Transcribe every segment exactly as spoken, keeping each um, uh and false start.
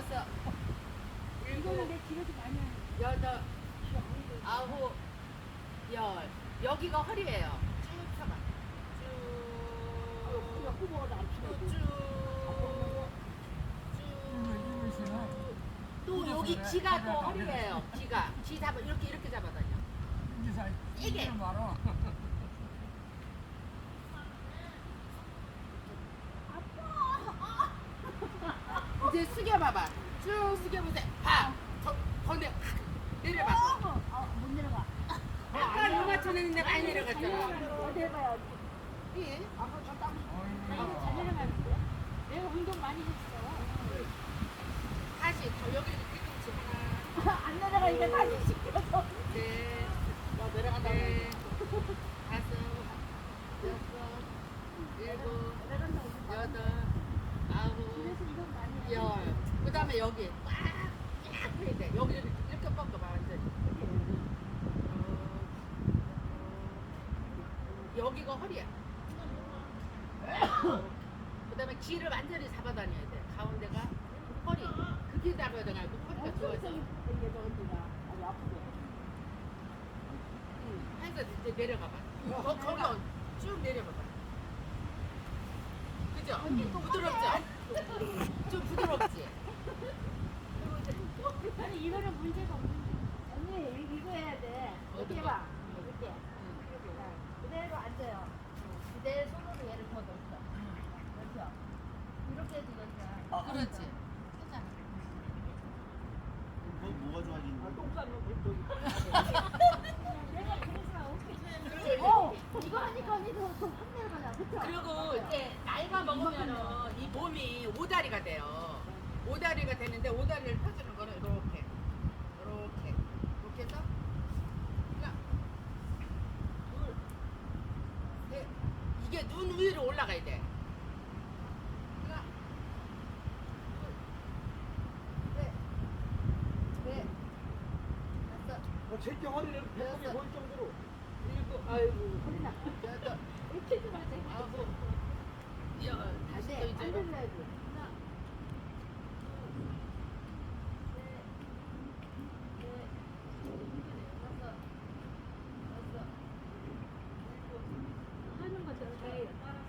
여섯, 이거는 일곱, 내 기록이 많이 하는 여덟, 아홉, 열. 여기가 허리예요. 쭉 펴봐. 쭉. 후보가 안 쭉. 쭉. 쭉. 또 여기 지가 또 허리예요. 지가. 지 잡아 이렇게 이렇게 잡아다녀. 이게. 말어. 이제 숙여봐봐. 쭉 숙여보세요. 봐. 더, 더 내, 내려봐. 어, 못 내려가. 아까 요마 쳐냈는데 많이 내려갔잖아. 어디 해봐요. 예. 아, 이거 잘 내려가는데? 내가 운동 많이 했어. 다시 더 여기 뒤꿈치 하나, 안 내려가니까 다시 시켜서. 넷, 나 내려간다. 넷, 다섯, 여섯, 일곱, 내려간다고. 여덟, 아홉, 그래서 이건 많이 해. 열. 그 다음에 여기 꽉, 꽉 해야 돼. 여기 이렇게, 이렇게 뻗어봐, 완전히. 어, 여기가 허리야. 그 다음에 귀를 완전히 잡아 다녀야 돼. 가운데가 허리. 그게 잡아야 돼. 허리가 좋아져. 이게 저 언니가 아주 아프게. 응. 해서 이제 내려가봐. 거, 거기 어- 쭉 내려봐봐. 그죠? 부드럽죠? 좀 부드럽지? 아니 이거는 문제가 없는데. 언니 이- 이거 해야 돼. 이렇게 어떤 거? 해봐. 이렇게. 자, 그대로 앉아요. 그대로 손으로 얘를 더 넣죠. 그렇죠. 이렇게 해도 되잖아. 그렇지. 괜찮아. 뭐, 뭐가 좋아지는 거야? 내가 그래서 어떻게 어 이거 하니까 언니도 더확 내려가냐. 그쵸? 그리고 이제 나이가 먹으면은 이 몸이 오다리가 돼요. 오다리가 되는데 오다리를 펴주는 거는 이렇게, 이렇게, 이렇게 해서 하나, 둘, 셋. 이게 눈 위로 올라가야 돼. 하나, 둘, 셋, 넷, 다섯, 어, 제게 허리를 예쁘게 보일 정도로. 일곱, 아이고, 허리나. 여덟, 이렇게 좀 하자. 아홉, 열. 다시 또 네, 이제 안 이렇게. 들려야지. 하나, 하는 것처럼 돼.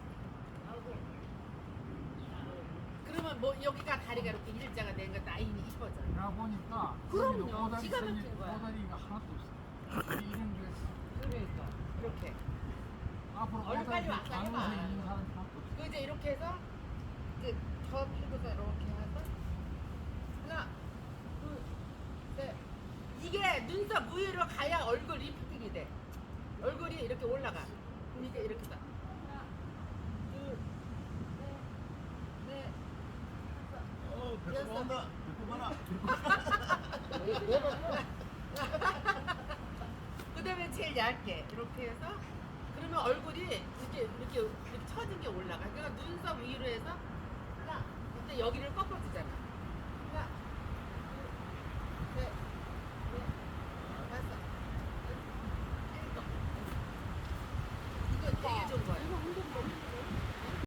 그러면 뭐 여기가 다리가 이렇게 일자가 된 거 라인이 이뻐져. 나 보니까 그럼요. 오다리 기가 생긴 막힌 거야. 오다리가 하나도 없어. 이런 게 그러니까 이렇게. 앞으로 얼른 빨리 오다리 와서 장세 해봐. 있는 사람이 하나도 없어. 그 이제 이렇게 해서 이제 저 피부가 이렇게 해서 하나, 둘, 셋. 이게 눈썹 위로 가야 얼굴 리프팅이 돼. 얼굴이 이렇게 올라가. 그럼 이제 이렇게 다. 하나, 둘, 셋, 넷, 어, 배꼽 여섯. 나온다. 배꼽 하나. 그 다음에 제일 얇게 이렇게 해서 그러면 얼굴이 이렇게 이렇게 이렇게 처진 게 올라가. 그러니까 눈썹 위로 해서 하나, 그때 여기를 꺾어주잖아. 하나, 둘, 셋, 넷, 다섯, 여섯, 일곱. 이거 되게 좋은 거예요.